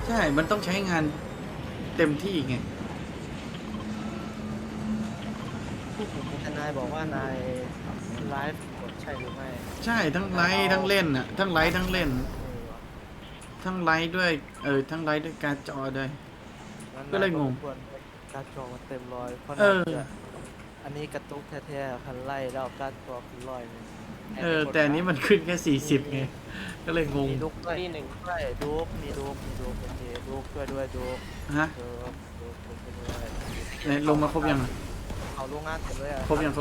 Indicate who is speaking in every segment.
Speaker 1: ใช่มันต้องใช้งานเต็มที่ไง
Speaker 2: แต่นายบอกว่านายไลฟ์กดใช่หรือไม่
Speaker 1: ใช่ทั้งไลฟ์ทั้งเล่นอ่ะทั้งไลฟ์ทั้งเล่นทั้งไลฟ์ด้วยทั้งไลฟ์ด้วยการ์ดจอด้วยก็เลยงง
Speaker 2: ควรการ์ดจอมันเต็มร้อยเพราะ
Speaker 1: เอ
Speaker 2: นั่น
Speaker 1: อ
Speaker 2: จะอันนี้กระตุกแท้ๆคันไล่แล้วการ์ดจอคือร้อยเลย
Speaker 1: แต่อันนี้มันขึ้นแค่40ไงก็เลยงง
Speaker 2: มีลูกด้วย
Speaker 3: ที่หนึ่ง
Speaker 2: ด้วยดูกมีดูกโอเคดูกช่วยด้วยดูก
Speaker 1: ฮะ
Speaker 2: ดูกช่วยด้วย
Speaker 1: ไหนลงมาครบยังอะ
Speaker 2: เอาลูกงานเต็มเลยอ่ะ
Speaker 1: ครบยัง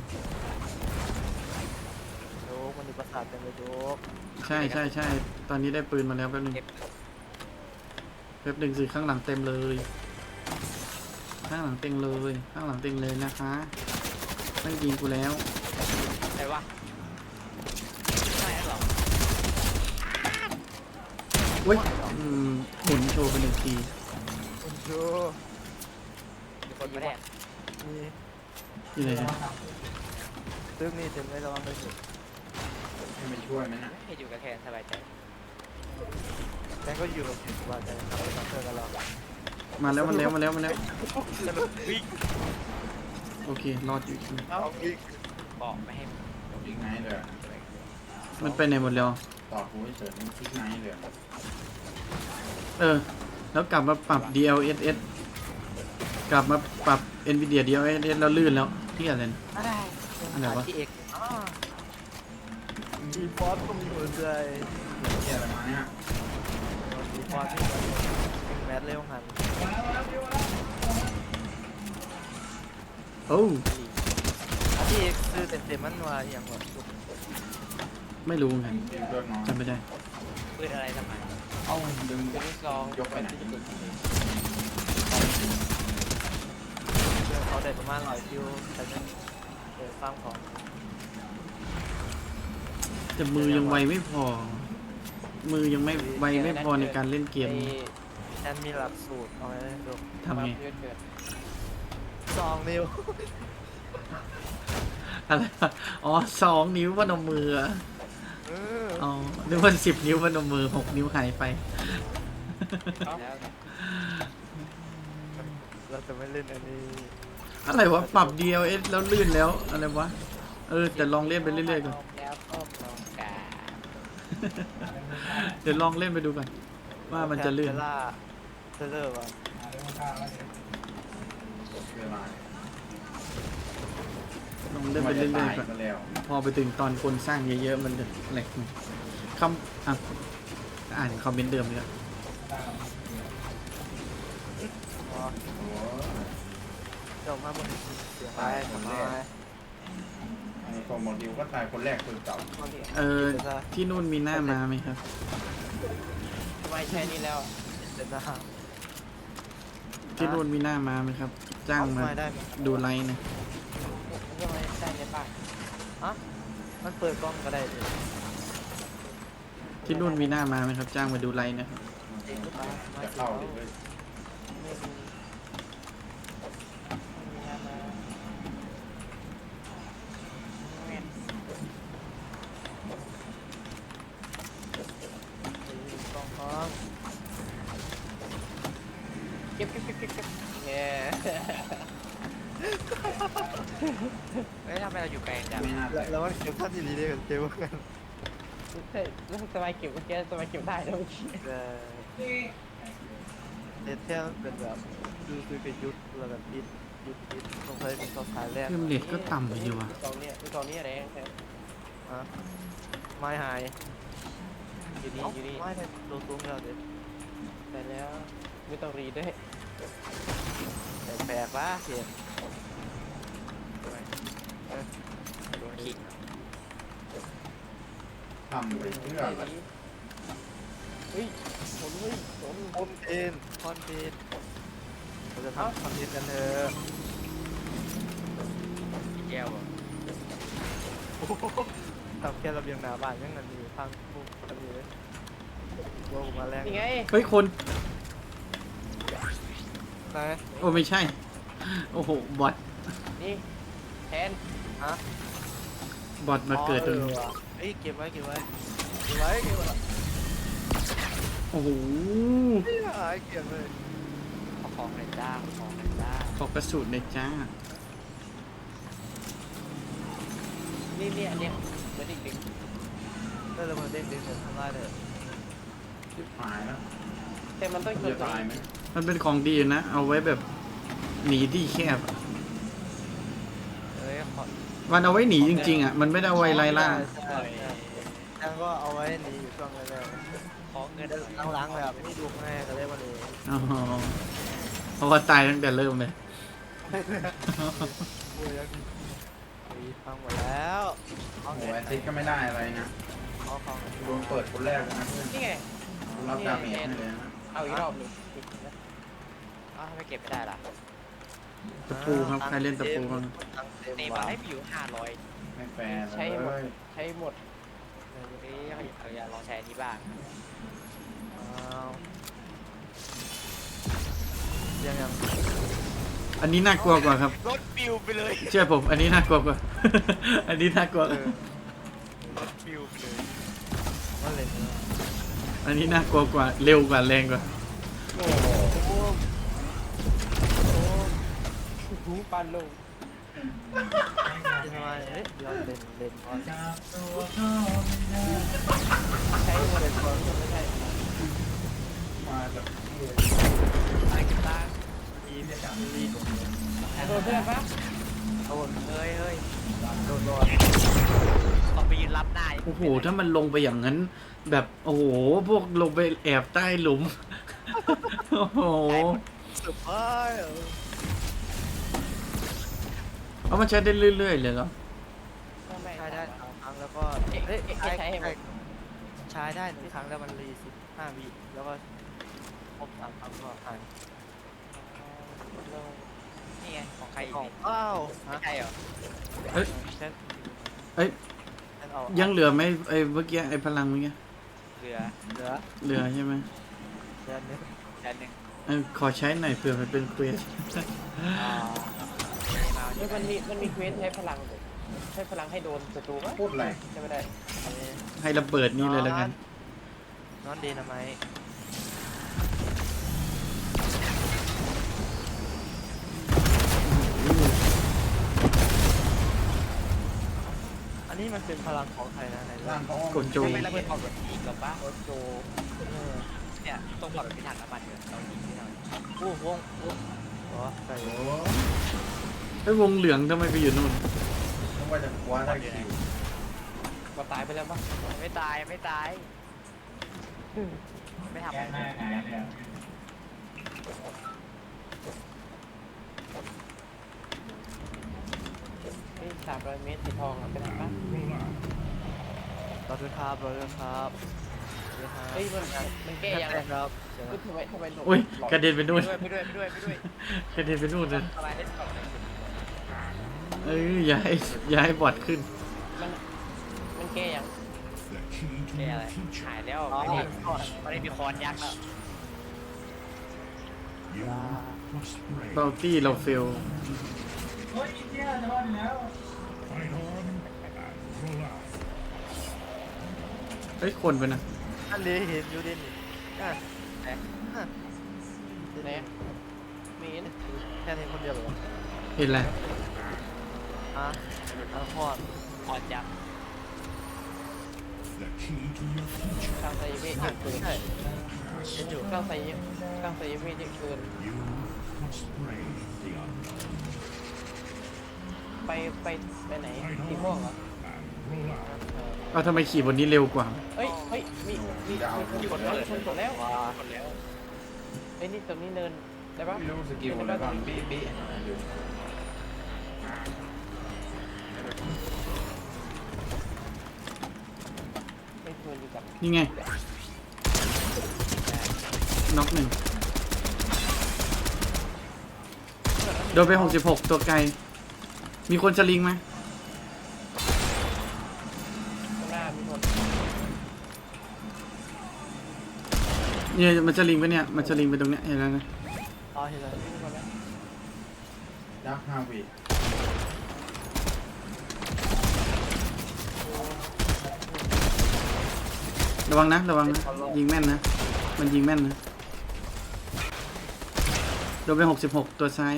Speaker 2: ดูกมันมีประสาทเต็มเลยดูก
Speaker 1: ใช่ตอนนี้ได้ปืนมาแล้วแป๊บนึงสิข้างหลังเต็มเลยข้างหลังเต็มเลยนะคะไม่ยิงกูแล้ว
Speaker 3: อะไรวะไม่หรอ
Speaker 1: เว้ยหมุนโชว์ไป1 ที
Speaker 2: คุณชู
Speaker 3: มีคนมาแดก
Speaker 2: มี
Speaker 1: อยู่ไหนเนี่ย
Speaker 2: ตึ้งนี่เต็มเลยระวังเลยสิ
Speaker 4: ให้มันช่วยไหมนะ
Speaker 3: ให้อยู่กับแทนสบายใจ
Speaker 2: แม่ก็อยู่กับสบายใจทำเป็นมาเตอร์กันแล้ว
Speaker 1: มาแล้ว
Speaker 3: สรุปวิ่ง
Speaker 1: โอเครอดอยู่
Speaker 2: เอาอีก
Speaker 3: บอกไม่ให้
Speaker 4: คลิกไนท์เลย
Speaker 1: มันไปไหนหมดแล้ว
Speaker 4: ต่อกูเฉยๆคลิกไนท์เลย
Speaker 1: แล้วกลับมาปรับ DLSS กลับมาปรับ Nvidia DLSS แล้วลื่นแล้วที่อะไรนะ อะไรวะ
Speaker 2: ที่เอกมีฟอสก็มีหัวใจ
Speaker 4: เฮียอะไรมาเนี่ย
Speaker 2: มีฟอสที่แมทเร็วหัน
Speaker 1: โอ้
Speaker 2: ที่เอกซื้อเต็มมันว่าอย่างหมด
Speaker 1: ไม่รู้ไง
Speaker 4: ดิวเลิกน้อย
Speaker 1: จำไม่ได้
Speaker 3: ปืนอะไรทำไม
Speaker 4: เอ้าดึง
Speaker 3: ปืนลูกซอง
Speaker 4: ยกไปไหน
Speaker 2: เขาได้ประมาณ100 คิวแต่ยังเปิดฟังของ
Speaker 1: แต่มือยังไวไม่พอ มือยังไม่ไวไม่พอในการเล่นเกม
Speaker 2: แทนมีหลักสูตรเอาไว้ดู
Speaker 1: ทำไง
Speaker 3: เกิด
Speaker 2: 2 นิ้ว
Speaker 1: อะไรวะอ๋อ2 นิ้วพนมมืออะ
Speaker 2: เออ
Speaker 1: อ๋อนึกว่า10 นิ้วพนมมือ6 นิ้วหายไป
Speaker 3: แล้ว
Speaker 2: เราจะไม่เล่นอันนี้
Speaker 1: อะไรวะปรับ DLS แล้วลื่นแล้วอะไรวะแต่ลองเล่นไปเรื่อยๆก่อน
Speaker 3: แล้วก็ลองกา
Speaker 1: เดี๋ยวลองเล่นไปดูก่อนว่ามันจะลื่น
Speaker 2: เวลาเซอร์ว่ะ
Speaker 4: เวลา
Speaker 1: ลองเล่นไปเรื่อยๆก่อน
Speaker 4: มาแล้ว
Speaker 1: พอไปถึงตอนคนสร้างเยอะๆมันจะแหลกอ่านคอมเมนต์เดิมเลยอะ
Speaker 2: อ๋อ
Speaker 4: โอ้
Speaker 2: เดี๋ยวมาบนเสียงไปทำไม
Speaker 4: ไอ้ของหมดดิวก็ตายคนแรกคนเก่า
Speaker 1: ที่นู่นมีหน้ามาไหมครับ
Speaker 3: ทำไมใช่นี่แล้ว
Speaker 2: เดี๋ยวนะ
Speaker 1: ที่นู่นมีหน้ามาไหมครับ จ้างมา
Speaker 2: ไม่ได้ไหม
Speaker 1: ดูไลน์นะ
Speaker 3: มันก็ไม่ได้ในบ้าน
Speaker 2: ฮะมันเปิดกล้องก็ได้ดิ
Speaker 1: ที่นู่นมีหน้ามาไหมครับ จ้างมาดูไลน์นะครับ
Speaker 4: จะเข้าดิเลย
Speaker 3: ไม่มีไม่มีงานมาแม่น
Speaker 2: กล้องพร้อม
Speaker 3: เก็บเนี่ยเฮ้ยทำไมเราอยู่ไกลจัง
Speaker 4: ไม่น่าจะ
Speaker 2: แล้วมันเก็บท่านดีๆได้กันเจ๊ว่ากัน
Speaker 3: เฮ้ยแล้วสบายเก็บเมื่อกี้สบายเก็บได้แล้วเมื่อกี้
Speaker 2: เน็ตเที่ยเป็นแบบดูซื้อเป็นยุทธแล้วแบบยุทธต้องใช้เป็นตัวขายแรก
Speaker 1: เพิ่มเรทก็ต่ำไปอยู่ว่ะ
Speaker 3: ตอนนี้อะไรแค่
Speaker 2: ฮะไม่หาย
Speaker 3: อยู่นี่อยู่นี่
Speaker 2: ไม่ได้ตัวตุ้มเราเด็ด
Speaker 3: แต่แล้วไม่ต้องรีด้วย
Speaker 2: แปลกๆวะเห็น
Speaker 3: โดนขิง
Speaker 4: ทำไปเพื่ออะไร
Speaker 3: เฮ้ยผลเฮ้ยผล
Speaker 2: คอนเทนเราจะทำคอนเทนต์กันเถอะ
Speaker 3: แก้วอ่ะ
Speaker 2: ทำแค่ระเบียงหน้าบ้านยังเงินอยู่พังปุ๊บกันอยู่เลยว่าผมมาแรง
Speaker 3: นี่ไง
Speaker 1: เฮ้ยคน
Speaker 2: ไหน
Speaker 1: โอ้ไม่ใช่ โอ้โหบอท
Speaker 3: นี่แทน
Speaker 2: ฮะ
Speaker 1: บอทมาเกิดตรงนี้
Speaker 2: เอ้ยเก็บไว้
Speaker 1: โอ้โห
Speaker 2: หายเกลียดเลย
Speaker 3: ขอของเลยจ้าขอของเลยจ้า
Speaker 1: ขอกระสุนเลยจ้า
Speaker 3: นี่อันเนี้ยเหมือนอีกหนึ่ง
Speaker 2: ได้เลยมาเด้งทำได้เลย
Speaker 4: ชิบหายแล้ว
Speaker 3: แต่มันต้อง
Speaker 4: จะตายไหม
Speaker 1: มันเป็นของดีนะ เอาไว้แบบหนีที่แคบอะ
Speaker 2: เอ้ยขอ
Speaker 1: มันเอาไว้หนีจริงๆอ่ะ มันไม่ได้เอาไว้ไล่ล่า
Speaker 2: ใช่ยังก็เอาไว้หนีอยู่ช่วงแรก
Speaker 3: ของเงิน
Speaker 2: ๆหลังๆแบบไม่ดูแม่ก็เลยมาเลย
Speaker 1: อ๋อเพราะว่าตายตั้งแต่เริ่มเลย
Speaker 2: โอ้ยยังพังหมดแล้ว
Speaker 4: โอ้โหแอซิดก็ไม่ได้อะไรนะ
Speaker 2: เอาของ
Speaker 4: โดนเปิดคนแรกเลยนะเพื่อน
Speaker 3: นี่ไง
Speaker 4: รับดาเมจให้เลยนะ
Speaker 3: เอาอีกรอบหนึงอ้าวทำไมเก็บไม่ได้ล่ะ
Speaker 1: ตะปูครับ ใครเล่นตะปูบ้าง
Speaker 3: เนมาให้พี่อยู่500
Speaker 4: ไม่แฟร์
Speaker 3: ใช้หม
Speaker 4: เล
Speaker 3: ด
Speaker 4: ย
Speaker 3: ใช้หมดนี่เอาอย่าลองใช้อันนี้บ้าง
Speaker 2: ยัง
Speaker 1: อันนี้น่ากลัวกว่าครับ
Speaker 3: รถปิวไปเลย
Speaker 1: เชื่อผม อันนี้น่ากลัวกว่า อันนี้น่ากลัว
Speaker 3: รถปิวไปเลย
Speaker 2: ว่าเล่น
Speaker 1: อันนี้น่ากลัวกว่า เร็วกว่า แรงกว่า
Speaker 3: โอ้โหหูปันลง
Speaker 2: ทำไมเฮ้ยย้อนเล่นก่อน
Speaker 3: ใช้หมดเลยไม่ใช่
Speaker 4: มาแบบ
Speaker 3: อะไรกันบ้าง
Speaker 2: ทีมจากทีม
Speaker 3: โดนเพื่อนปะ
Speaker 2: โดน
Speaker 3: เฮ้ย
Speaker 2: โดน
Speaker 3: ต้องไปยืนรับหน้า
Speaker 1: โอ้โห ถ้ามันลงไปอย่างนั้น แบบ โอ้โห พวกลงไปแอบใต้หลุม โอ้โห
Speaker 2: สุดไป
Speaker 1: เอามันใช้ได้เรื่อยๆเลยเหรอ
Speaker 3: ไม่
Speaker 2: ใช้ได้3ครั้งแล้วก็
Speaker 3: ใช้ให้หมด
Speaker 2: ใช้ได้1ครั้งแล้วมันรี15 วิแล้วก็ครบ3ครั้งก็หาย
Speaker 3: นี่ไงของใครอีก
Speaker 2: กล่อง
Speaker 3: นี่
Speaker 2: อ้าว
Speaker 3: ไม่ใช่เหรอ
Speaker 1: เอ้ย
Speaker 2: ฉัน
Speaker 1: เอ้ย
Speaker 2: ฉันเอา
Speaker 1: ยังเหลือไหมไอ้เมื่อกี้ไอ้พลังเมื่อกี้
Speaker 3: เหลือ
Speaker 2: เหลือ
Speaker 1: เหลือใช่ไหม
Speaker 2: เดือนนึง
Speaker 3: อันหนึ่ง
Speaker 1: ขอใช้หน่อยเผื่อมันเป็นเควส
Speaker 3: มันมีเควสใช้พลังใช้พลังให้โดนศัตรูปะ
Speaker 4: พูดอะไร
Speaker 3: ใช่ไม่ได้
Speaker 1: ให้ระเบิดนี่เลยแล้วกัน
Speaker 2: นอนดีนะไหมอันนี้มันเป็นพลังของใครนะไหน
Speaker 4: ร่างเขาอ้อม
Speaker 1: กดโจ
Speaker 3: ไม่ระเบิดออกแบบอีกหรอปะ
Speaker 2: โอโจ
Speaker 3: เนี่ยต้องบอกแบบพิถันน้ำมันอยู่เรายิงที่เรา
Speaker 2: อู้วงอ๋อใส่
Speaker 4: โอ้โห
Speaker 1: ไอ้วงเหลืองทำไมไปอยู่นู่น
Speaker 4: นึกว่าจะคว้าได้คิว
Speaker 3: ก็ตายไปแล้วปะไม่ตายไม่ทำ300 เมตรสีทองเป็นไงปะ
Speaker 2: เราด้วยครับเราด้วยครับด้วยครับ
Speaker 3: เฮ้ยมันแก้ยัง
Speaker 2: ครับ
Speaker 3: ทำไมหลบ
Speaker 1: อุ้ยกระเด็นไปนู่น
Speaker 3: ไปด้วย
Speaker 1: กระเด็นไปนู่นเลย
Speaker 3: อะไรได้ต่อเลย
Speaker 1: เอ้ยอย่าให้บอดขึ้น
Speaker 3: มันแก้ยังแก้อะไรหายแล้วไม่ได้มีคอนยักษ์แล้ว
Speaker 1: เบลตี้เราเฟลเฮ้ยคนไปนะ
Speaker 2: อันนี้เห็นอยู่ดินี่อ่ะ
Speaker 3: เนี่ยมีน
Speaker 2: แค่เห็นคนเดียวเหรอ
Speaker 1: เห็นอะไร
Speaker 2: อ่ะอัลคอด
Speaker 3: คอนยักษ์กลางไซเวทเยอะเกิน
Speaker 2: ใช่เห็นอยู่
Speaker 3: กลางไซเวทเยอะเกินไปไหนสีม่วงเหรอ
Speaker 1: เอาทำไมขี่บนนี้เร็วกว่า
Speaker 3: เฮ้ยมีคนกดแล้วกดแล้วเฮ้ยนี่ตรงนี้เนินได้ปะ
Speaker 4: ไม่รู้สกิลอะไรบ้างบี้บี้อยู่
Speaker 3: ไม่ควรอยู่กับ
Speaker 1: นี่ไงน็อกหนึ่งโดนไป66ตัวไกล มีคนสลิงไหม
Speaker 3: ข้างหน้ามีคน
Speaker 1: เนี่ยมันสลิงไปเนี่ย มันสลิงไปตรงเนี้ยเห็นแล้วนะ
Speaker 2: อ๋อเห็นแล้ว
Speaker 3: มีคนแล้ว
Speaker 4: ยักษ์ฮาวิ
Speaker 1: ระวังนะ ยิงแม่นนะ มันมันยิงแม่นนะโดนไป66ตัวซ้าย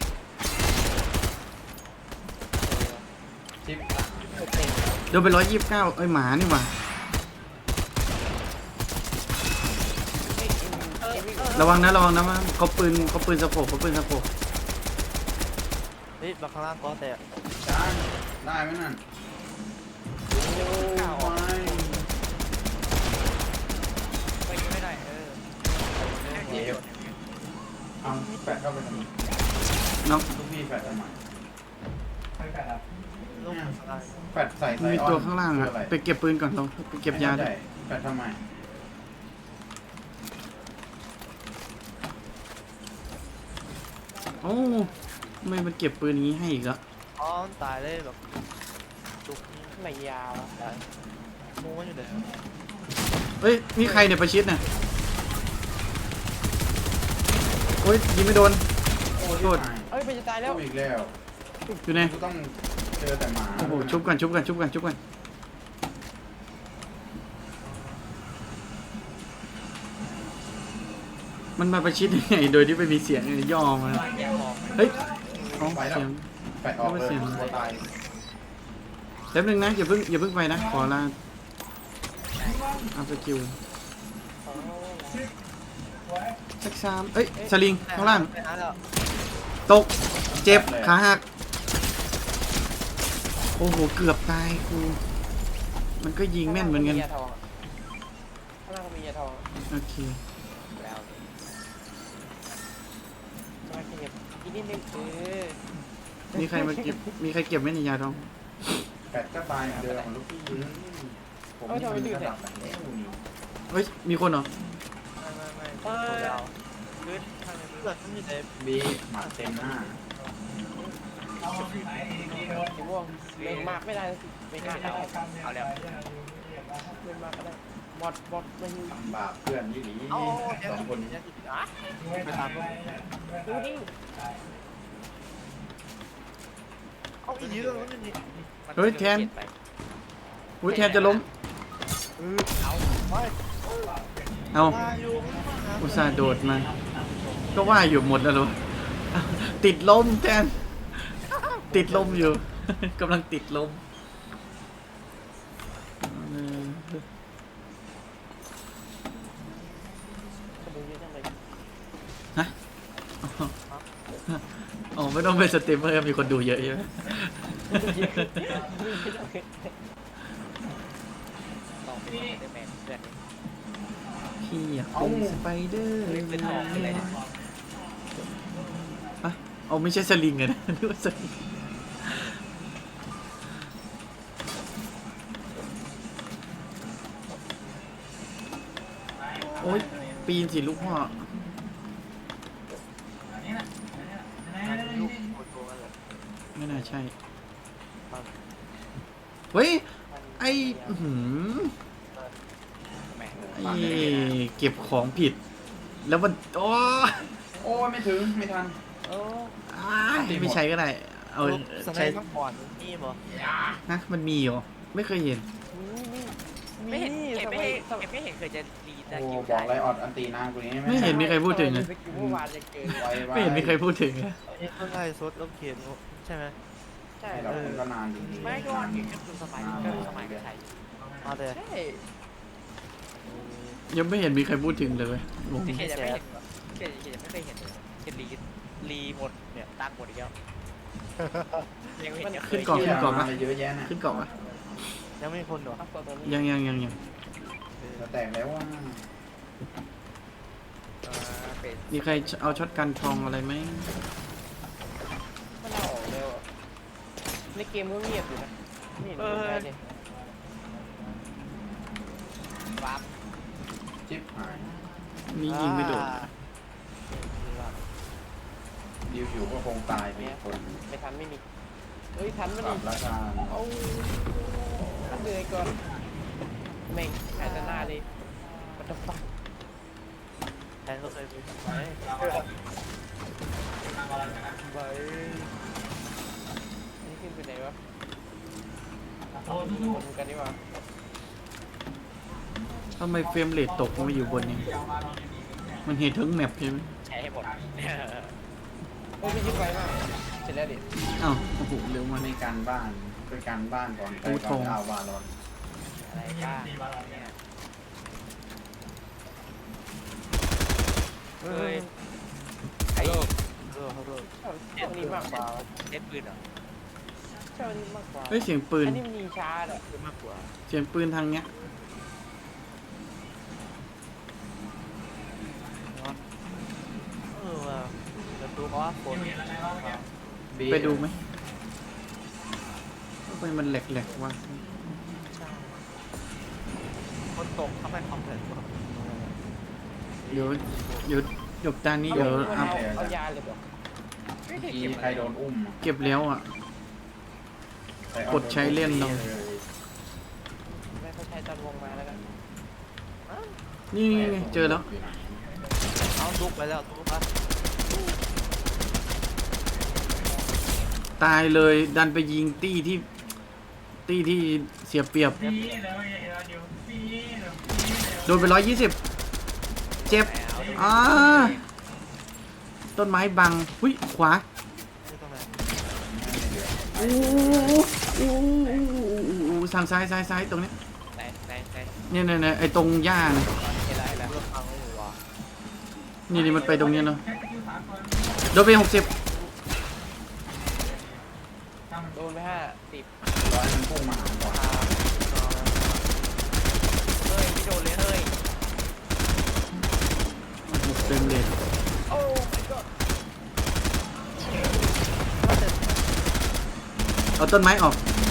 Speaker 4: จิ๊บ
Speaker 1: โดนไป129เอ้ยหมานี่หว่าระวังนะมันเขาปืนสะโพก
Speaker 2: เฮ้ยบักข้างล่างก็แต่
Speaker 4: จานได้ไหมนั่นโอ้ย
Speaker 3: ไปยิงไม่ได้
Speaker 4: เจ็บเอาแปะเข้าไปทำไม
Speaker 1: น้อง
Speaker 4: ลูกพี่แปะทำไม
Speaker 2: ลูกข้างล่าง
Speaker 4: แปะใส่ไซ
Speaker 1: มี
Speaker 4: ออน
Speaker 1: ตัวข้างล่างอะ
Speaker 4: คือไร
Speaker 1: ไปเก็บปืนก่อนเราไปเก็บยาด้วย
Speaker 4: แปะทำไม
Speaker 1: โอ้ทำไมมันเก็บปืนอย่างนี้ให้อีกแล้ว
Speaker 2: อ๋อมันตายเลยแบบจุก
Speaker 3: ไม่ยาว
Speaker 2: ตายมูมันอยู่ไหน
Speaker 1: เอ้ยนี่ใครเนี่ยประชิดเนี่ยโอ้ยยิงไม่โดน
Speaker 4: โอ้
Speaker 1: โทษ
Speaker 3: เอ้ยมันจะตายแล้ว
Speaker 4: อีกแล้ว
Speaker 1: อยู่ไหน
Speaker 4: กูต้องเจอแต่หมา
Speaker 1: โอ้โหชุบกันมันมาประชิดยังไงโดยที่ไม่มีเสียงเลยย่อมา
Speaker 3: แย่มอง
Speaker 1: เฮ้ยอ๋อ
Speaker 4: ไปแล้ว
Speaker 1: เสียง
Speaker 4: แปะออกเลย
Speaker 1: เสียง
Speaker 4: ตัวตาย
Speaker 1: แป๊บนึงนะอย่าเพิ่งไปนะขอลาเอาสกิลสักสามเอ้ยสลิงข้างล่าง
Speaker 2: ไปหาแล้ว
Speaker 1: ตกเจ็บขาหักโอ้โหเกือบตายกูมันก็ยิงแม่นเหมือนกัน
Speaker 3: ยาทองข้างล่างก็มียาทอง
Speaker 1: โอเค
Speaker 3: แล้วมาเก็บอีกนิดนึง
Speaker 1: มีใครเก็บไหมในยาทอง
Speaker 4: แปะก็ตายเหมือนเดิมของลูกพี่ผมนี่มันระดับแบบนี้
Speaker 1: เฮ้ยมีคนเหรอ
Speaker 2: ไม่ตัวดาวคือทางในเลือดมันอยู่ใน
Speaker 4: บีหมัดเต็มหน้า
Speaker 3: สีม่วงเล่นมากไม่ได้สิไม่กล้าเอาแล้วเล่นมากก็ได้บอดมัน
Speaker 4: ทำบาปเพื่อนยี่หลี
Speaker 2: เอา
Speaker 4: สองคนนี้
Speaker 3: อ่ะ
Speaker 2: ไปตามพวก
Speaker 3: ดูดิ
Speaker 2: เอาอีกทีแล้วมันนี่
Speaker 1: อุ้ยแทนจะล้ม
Speaker 3: เอา
Speaker 2: ไป
Speaker 1: เอา
Speaker 2: มาอยู่
Speaker 1: อุตส่าห์โดดมาก็ว่าอยู่หมดแล้วเหรอติดลมแทนติดลมอยู่ กำลังติดลมอ๋อไม่ต้องเป็นสตรีมเมอร์มีคนดูเยอะใช่ไหม
Speaker 3: ต้องเป็นเดอร์แมนเพื่อน
Speaker 1: พี่อยากเป็นสไปเดอร์
Speaker 3: เป็นทองอะไรนะ
Speaker 1: อะเอาไม่ใช่สลิงอะนะ นึกว่าสลิงโอ๊ยปีนสิลูกพ่อ
Speaker 2: ลูกโตกันเลย
Speaker 1: ไม่น่าใช่ เฮ้ย ไอ้อื้อหือ
Speaker 3: แมน
Speaker 1: ไอ้เก็บของผิด แล้วมันโอ้
Speaker 4: โอ้ไม่ถึงไม่ทัน
Speaker 3: โอ้
Speaker 1: ไม่ใช้ก็ได้ เอา
Speaker 2: สไน
Speaker 1: ใช้
Speaker 2: เปอร์ก่อนนี่บ่
Speaker 1: ฮะมันมีเหรอ ไม่เคยเห็น
Speaker 3: ไม่เห็นไม่เห็นเคยจะรีตะ
Speaker 4: โอ้
Speaker 3: กิ้ว
Speaker 4: บอกไรออดอันตีนางกูนี้
Speaker 1: ไม่เห็นมีใครพูดถึงเลย
Speaker 3: เมื่อวานจะเกิน
Speaker 1: ไม่เห็นมีใครพูดถึงเลย
Speaker 2: เอ้ยเพิ่งไล่ซดแล้วเขียนใช่ไหม
Speaker 3: ใช่
Speaker 4: เราก็นานจริง
Speaker 3: ไม่ก็วันนี้ก็คือสมัยก็สมัยก็ใช่
Speaker 2: มาแต่
Speaker 3: ใช่
Speaker 1: ยังไม่เห็นมีใครพูดถึงเลยเว้ยงง
Speaker 3: ที่เขียนจะไม่เห็นเขียนไม่เคยเห็นเลยเขียนรีหมดเนี่ยตั้งหมดอีกแล้วยังไม่เห็นจะเคย
Speaker 4: ๆอะไรเยอะแยะน่ะ
Speaker 1: ขึ้นเกาะปะ
Speaker 2: ยังไม่มีคนเหรอ
Speaker 1: ยัง
Speaker 4: จะแตกแล้วว่า
Speaker 3: เป็น
Speaker 1: มีใครเอาช็อตกันทองอะไรไหม
Speaker 3: มันเอาออกเร็วในเกมก็เงียบอยู่นะนี่วาร์ป
Speaker 4: จิ๊บหาย
Speaker 1: นี่ยิงไม่โดน
Speaker 4: ดิวอยู่ก็คงตายไปคน
Speaker 3: ไม่ทันไม่มีเฮ้ยทันมัน
Speaker 4: ปรับราคา
Speaker 3: เอาเหนื่อยก่อนแม่งแอนหน้าเลยมันจะฟัง
Speaker 2: แทนก็เคยไปไหมไป
Speaker 3: นี่ขึ้นไปไหนวะคนกันดีกว่า
Speaker 1: ทำไมเฟรมเรทตกมาอยู่บนนี้มันเห็นทั้งแมปใช่ไหม
Speaker 3: ใช้ให้หมด
Speaker 5: โอ้ยพี่ยึดไวมากเสร็จแล้วดิ
Speaker 1: อ้าวโอ้โหเร็วมาก
Speaker 4: ในการบ้านไปการบ้านก่อนไปก่อนเอาวาลอน
Speaker 3: อะไรบ้างเนี่ยเฮ้ยไอ้
Speaker 2: เขาเริ่ม
Speaker 5: ชอบอันนี้มากกว่า
Speaker 3: เล่นปืนเหรอ
Speaker 5: ชอบอันนี้มากกว่า
Speaker 1: เฮ้ยเสียงปืน
Speaker 5: อันนี้มันยิงช้าแหละ
Speaker 2: เยอะมากกว่า
Speaker 1: เสียงปืนทางเนี้ย
Speaker 2: ว่าจะดูเพราะว่าฝน
Speaker 1: ไปดูไหมทำไมมันแหลกๆวะ
Speaker 2: ฝนตกทำให้คอมเพล็กซ์
Speaker 1: เดี๋ยวหยกตานี้เดี๋ยว
Speaker 5: เอา
Speaker 1: อัพ
Speaker 5: เอายาเลยบอก
Speaker 4: ทีใครโดนอุ้ม
Speaker 1: เก็บแล้วอ่ะ กดใช้เล่นเรา
Speaker 5: ไม่เข้าใจตอนวงมาแล้วกัน
Speaker 1: นี่ไงเจอแล้ว
Speaker 2: เอาลุกไปแล้วลุกอ่ะ
Speaker 1: ตายเลยดันไปยิงตี้ที่เสียเปรียบโดนไป120เจ็บต้นไม้บังหุ้ยขวา
Speaker 2: ไม่ต้องไหน
Speaker 1: โอ้สั่งซ้ายตรงนี้
Speaker 3: ไหน
Speaker 1: เนี่ยไอ้ตรงหญ้านะ
Speaker 3: เห็นแล้ว
Speaker 2: เลือกฟังไม่อยู่ว่ะ
Speaker 1: นี่มันไปตรงเนี้ยเนาะโดนไป60
Speaker 5: โดนไป50
Speaker 4: ร้อยมันพุ่งมาหาก่อน
Speaker 3: เฮ้ยไม่โดนเลยเฮ้ย
Speaker 1: เต็มเลย
Speaker 5: โอ้ my god
Speaker 1: เอาต้นไม้ออก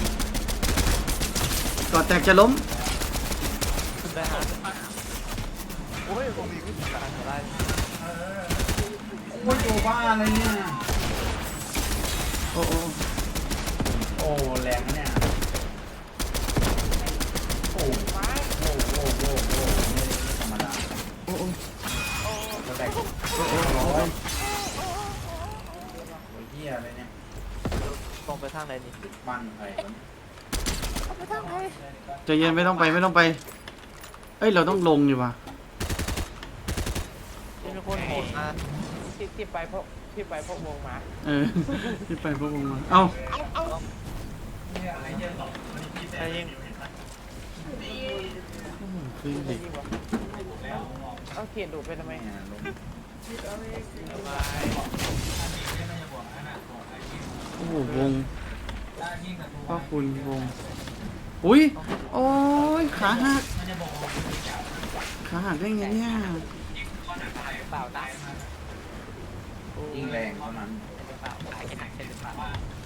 Speaker 1: ก่อนแตกจะล้ม
Speaker 2: ได้ฮะโอ้ยผมมีวิธีการอะไร
Speaker 4: โอ้ยตัวบ้าอะไรเนี่ย
Speaker 1: โอ้
Speaker 4: โอ้แรงนะเนี่ยโอ้โหไม่ธรรมดา
Speaker 1: โอ้
Speaker 4: จะแตก
Speaker 1: โอ้
Speaker 4: ร้อยโอ้ยเหี้ยอะไรเนี่ย
Speaker 2: ตรงไปทางไหนนี่
Speaker 4: บ้านใครวะ
Speaker 1: ใจเย็นไม่ต้องไปเอ้ยเราต้องลงอยู่ว่ะ
Speaker 2: ที่มีคนโหดมา
Speaker 5: ที่ไปเพราะวงมา
Speaker 1: ที่ไปพวกมึงมาเอ้า
Speaker 2: ใครยิง
Speaker 1: คือ
Speaker 5: ไม่
Speaker 1: เด็ก
Speaker 5: ยิงวะเอาเขียนดูดไปทำไม
Speaker 4: แม่ลง
Speaker 1: โอ้โหวงพ่อคุณวงอุ้ยโอ้ยขาหักได้ไงเนี่ย
Speaker 3: เปล่าตาย
Speaker 4: ยิงแรงเท่านั้น
Speaker 3: เปล่าตายแค่ไหนใช่หรือเปล่า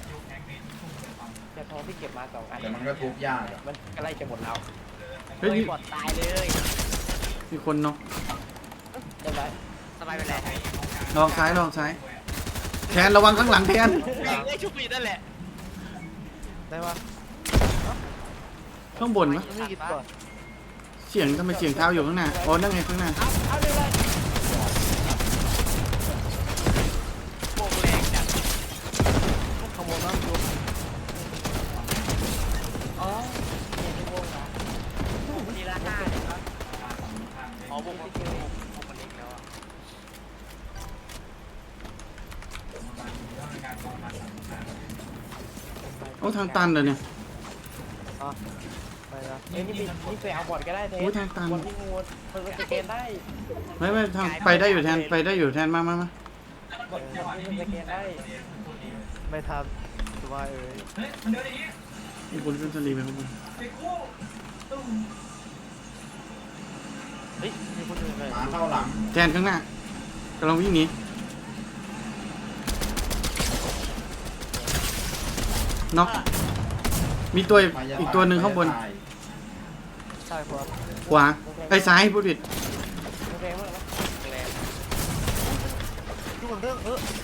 Speaker 5: จะทองที่เก็บมา2 อัน
Speaker 4: แต่มันก็ทุบยากอะ
Speaker 5: มันใกล้จะหมดแล้ว
Speaker 1: เฮ้ย
Speaker 3: บอดตายเลย
Speaker 1: มีคนเนาะ
Speaker 5: เรียบร้อย
Speaker 3: สบายไปแล้ว
Speaker 1: ลองซ้ายแทนระวังข้างหลังแทน
Speaker 3: ได้ชุบปีนั่นแหละ
Speaker 2: ได้ปะ
Speaker 1: ข้างบนวะ
Speaker 2: ไม่กินก่อน
Speaker 1: เสียงทำไมเสียงเท้าอยู่ข้างหน้าอ๋อนั่งไงข้างหน้า
Speaker 5: เอาเลยเลย
Speaker 3: โบกแรงจัด
Speaker 2: ขโมยน้ำดู
Speaker 5: อ๋อเขียนในวงมา
Speaker 3: ทีละ5เนี่ยครับอ๋อโบกมันเล็กแล้วอ่ะ
Speaker 1: โอ้ทางตันเลยเนี่ย
Speaker 2: ไปนะ
Speaker 5: นี่ไปเอาบอร์ดก็ได้เท
Speaker 1: โอ้ยทางตัน
Speaker 5: บอร์ดที่งูมันสแกนได้
Speaker 1: ไม่ทางไปได้อยู่แทนมา
Speaker 5: บอร์ดที่มันสแกนได้
Speaker 2: ไม่ทำสบายเอ้ย
Speaker 1: มีคนขึ้นสลีไปข้างบน
Speaker 2: เฮ้ยมีคนอื่นเลย
Speaker 4: หมาเข้าหลัง
Speaker 1: แทนข้างหน้ากำลังวิ่งหนีน็อกมีตัวอีกตัวหนึ่งข้างบน
Speaker 2: ใช่ครับ
Speaker 1: ขวาไอ้ซ้ายพูดผิด
Speaker 5: มันแรงมากนะ
Speaker 3: แรง
Speaker 2: ทุกคนเรื่อง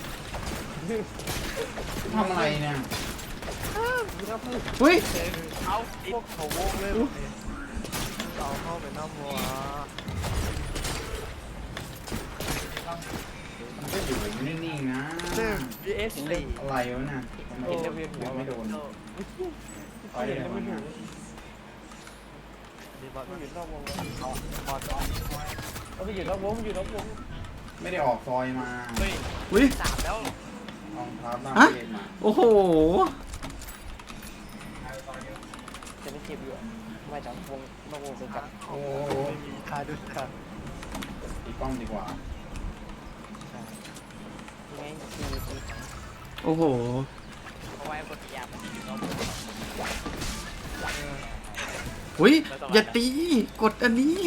Speaker 4: ทำอะไรเนี่ย
Speaker 1: อุ้ย
Speaker 3: เอา
Speaker 2: พวกเขาโวกเลยเราเข้าไปน้ำวัว
Speaker 4: มันก็อยู่นิ่งๆนะ
Speaker 2: VS
Speaker 4: อะไรวะน่ะทำไมไม่โดนไปเลยนะ
Speaker 2: มีบอล
Speaker 5: มันอยู่นอกวงเลย
Speaker 2: บอล
Speaker 5: มันอยู่นอกวงมันอยู่นอกวง
Speaker 4: ไม่ได้ออกซอยมา
Speaker 3: เฮ้ย
Speaker 1: อุ้ย
Speaker 3: 3แล้ว
Speaker 4: รองเท้าหน้า
Speaker 1: ฮะ
Speaker 4: เกมมา
Speaker 1: โอ้โห
Speaker 5: จะไม่เจ็บอยู่อะไม่จากวงนอกวงเป็นกัน
Speaker 2: โอ้ไม่มีค่าด้วยค่ะ
Speaker 4: ตีกล้องดีกว่า
Speaker 5: ยังไงตีตี
Speaker 1: โอ้โห
Speaker 3: เพราะว่าไอ้คนที่ยามมันอยู่นอกวง
Speaker 1: อุ้ยอย่าตี กดอันนี้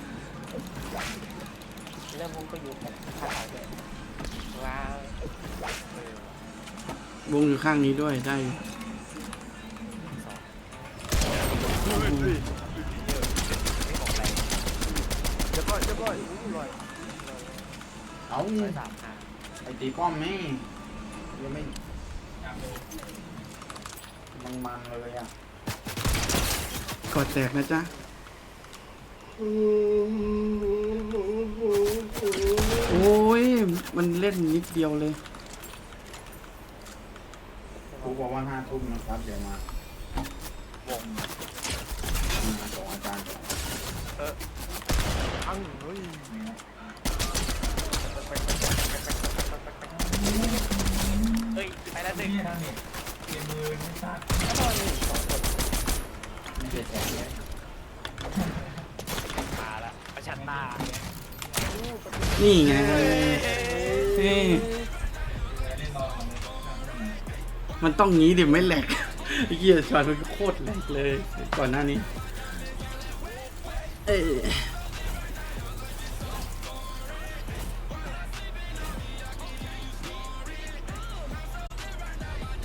Speaker 5: เริ่มวงก็อยู่กับข้าวเลยว้าว
Speaker 1: วงอยู่ข้างนี้ด้วยได้อยู่
Speaker 3: ไม่บอกอะไร
Speaker 2: เรียบร้อยอู้ลอย
Speaker 4: เอา
Speaker 3: 3
Speaker 4: ไอตีกล้องไม่ยังไม่มันเลยอ่ะ
Speaker 1: กดแตกนะจ๊ะ โอ้ย มันเล่นนิดเดียวเลย
Speaker 4: ครูบอกว่า5 ทุ่มนะครับเดี๋ยวมา
Speaker 3: วง
Speaker 4: มาส่งอาจารย์
Speaker 2: อังเฮ้ย
Speaker 3: เฮ้ยไปแล้วหนึ่ง
Speaker 4: ไม่ได้แจกเลย
Speaker 3: มาละประชันตา
Speaker 1: นี่ไงนี่มันต้องงี้ดิไม่แหลก ไอ้เหี้ยช็อตมันโคตรแหลกเลย ก่อนหน้านี้ เอ้ย